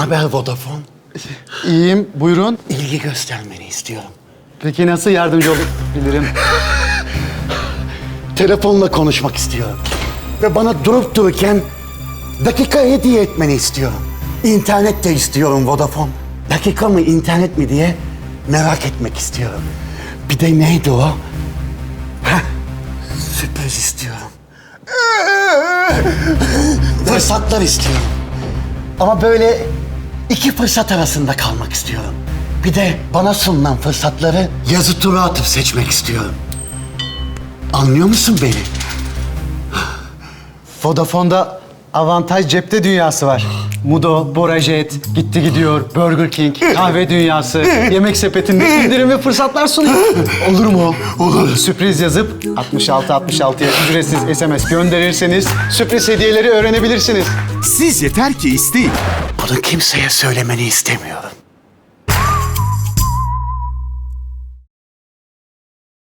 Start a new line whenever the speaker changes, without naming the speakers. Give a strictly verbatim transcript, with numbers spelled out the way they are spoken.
haber Vodafone?
İyiyim, buyurun.
İlgi göstermeni istiyorum.
Peki nasıl yardımcı olabilirim?
Telefonla konuşmak istiyorum. Ve bana durup dururken dakika hediye etmeni istiyorum. İnternet de istiyorum Vodafone. Dakika mı internet mi diye merak etmek istiyorum. Bir de neydi o? Heh, sürpriz istiyorum. Fırsatlar istiyorum. Ama böyle iki fırsat arasında kalmak istiyorum. Bir de bana sunulan fırsatları yazı tura atıp seçmek istiyorum. Anlıyor musun beni?
Vodafone'da avantaj cepte dünyası var. Mudo, Borajet, Gitti Gidiyor, Burger King, kahve dünyası, yemek sepetinde indirim ve fırsatlar sunuyor. Olur mu?
Olur.
Sürpriz yazıp altmış altı altmış altıya ücretsiz S M S gönderirseniz sürpriz hediyeleri öğrenebilirsiniz.
Siz yeter ki isteyin.
Bunu kimseye söylemeni istemiyorum.